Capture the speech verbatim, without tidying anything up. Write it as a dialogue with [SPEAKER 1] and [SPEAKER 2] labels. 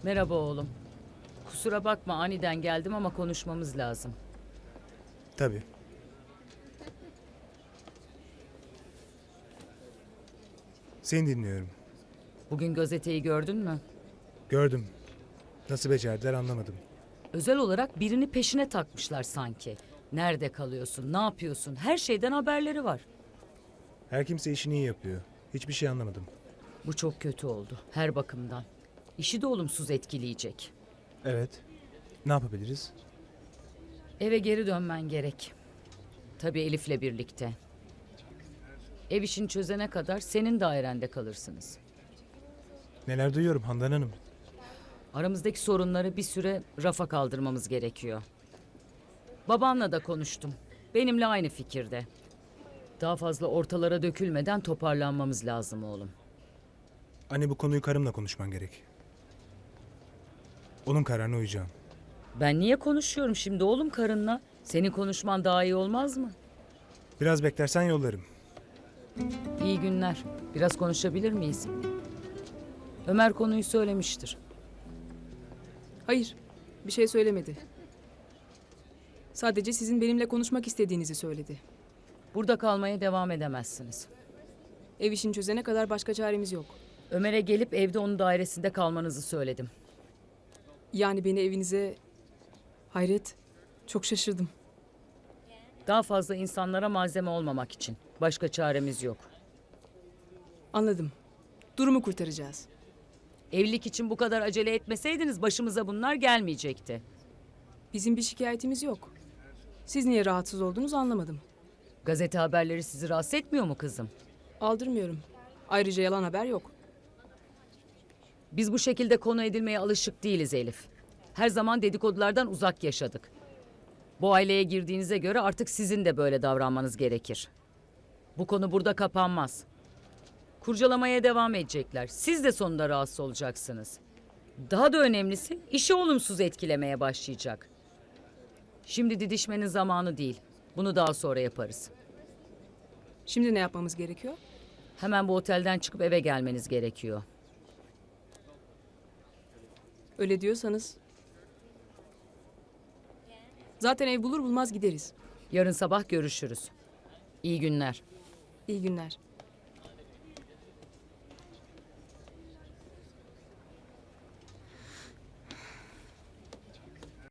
[SPEAKER 1] Merhaba oğlum. Kusura bakma aniden geldim ama konuşmamız lazım.
[SPEAKER 2] Tabii. Seni dinliyorum.
[SPEAKER 1] Bugün gazeteyi gördün mü?
[SPEAKER 2] Gördüm. Nasıl becerdiler anlamadım.
[SPEAKER 1] Özel olarak birini peşine takmışlar sanki. Nerede kalıyorsun, ne yapıyorsun? Her şeyden haberleri var.
[SPEAKER 2] Her kimse işini iyi yapıyor. Hiçbir şey anlamadım.
[SPEAKER 1] Bu çok kötü oldu her bakımdan. İşi de olumsuz etkileyecek.
[SPEAKER 2] Evet. Ne yapabiliriz?
[SPEAKER 1] Eve geri dönmen gerek. Tabii Elif'le birlikte. Ev işini çözene kadar senin dairende kalırsınız.
[SPEAKER 2] Neler duyuyorum Handan Hanım.
[SPEAKER 1] Aramızdaki sorunları bir süre rafa kaldırmamız gerekiyor. Babanla da konuştum. Benimle aynı fikirde. Daha fazla ortalara dökülmeden toparlanmamız lazım oğlum.
[SPEAKER 2] Anne bu konuyu karımla konuşman gerek. Onun kararına uyacağım.
[SPEAKER 1] Ben niye konuşuyorum şimdi oğlum karınla? Senin konuşman daha iyi olmaz mı?
[SPEAKER 2] Biraz beklersen yollarım.
[SPEAKER 1] İyi günler. Biraz konuşabilir miyiz? Ömer konuyu söylemiştir.
[SPEAKER 3] Hayır, bir şey söylemedi. Sadece sizin benimle konuşmak istediğinizi söyledi.
[SPEAKER 1] Burada kalmaya devam edemezsiniz.
[SPEAKER 3] Ev işini çözene kadar başka çaremiz yok.
[SPEAKER 1] Ömer'e gelip evde onun dairesinde kalmanızı söyledim.
[SPEAKER 3] Yani beni evinize... Hayret, çok şaşırdım.
[SPEAKER 1] Daha fazla insanlara malzeme olmamak için. Başka çaremiz yok.
[SPEAKER 3] Anladım. Durumu kurtaracağız.
[SPEAKER 1] Evlilik için bu kadar acele etmeseydiniz başımıza bunlar gelmeyecekti.
[SPEAKER 3] Bizim bir şikayetimiz yok. Siz niye rahatsız oldunuz anlamadım.
[SPEAKER 1] Gazete haberleri sizi rahatsız etmiyor mu kızım?
[SPEAKER 3] Aldırmıyorum. Ayrıca yalan haber yok.
[SPEAKER 1] Biz bu şekilde konu edilmeye alışık değiliz Elif. Her zaman dedikodulardan uzak yaşadık. Bu aileye girdiğinize göre artık sizin de böyle davranmanız gerekir. Bu konu burada kapanmaz. Kurcalamaya devam edecekler. Siz de sonunda rahatsız olacaksınız. Daha da önemlisi işi olumsuz etkilemeye başlayacak. Şimdi didişmenin zamanı değil. Bunu daha sonra yaparız.
[SPEAKER 3] Şimdi ne yapmamız gerekiyor?
[SPEAKER 1] Hemen bu otelden çıkıp eve gelmeniz gerekiyor.
[SPEAKER 3] Öyle diyorsanız... Zaten ev bulur bulmaz gideriz.
[SPEAKER 1] Yarın sabah görüşürüz. İyi günler.
[SPEAKER 3] İyi günler.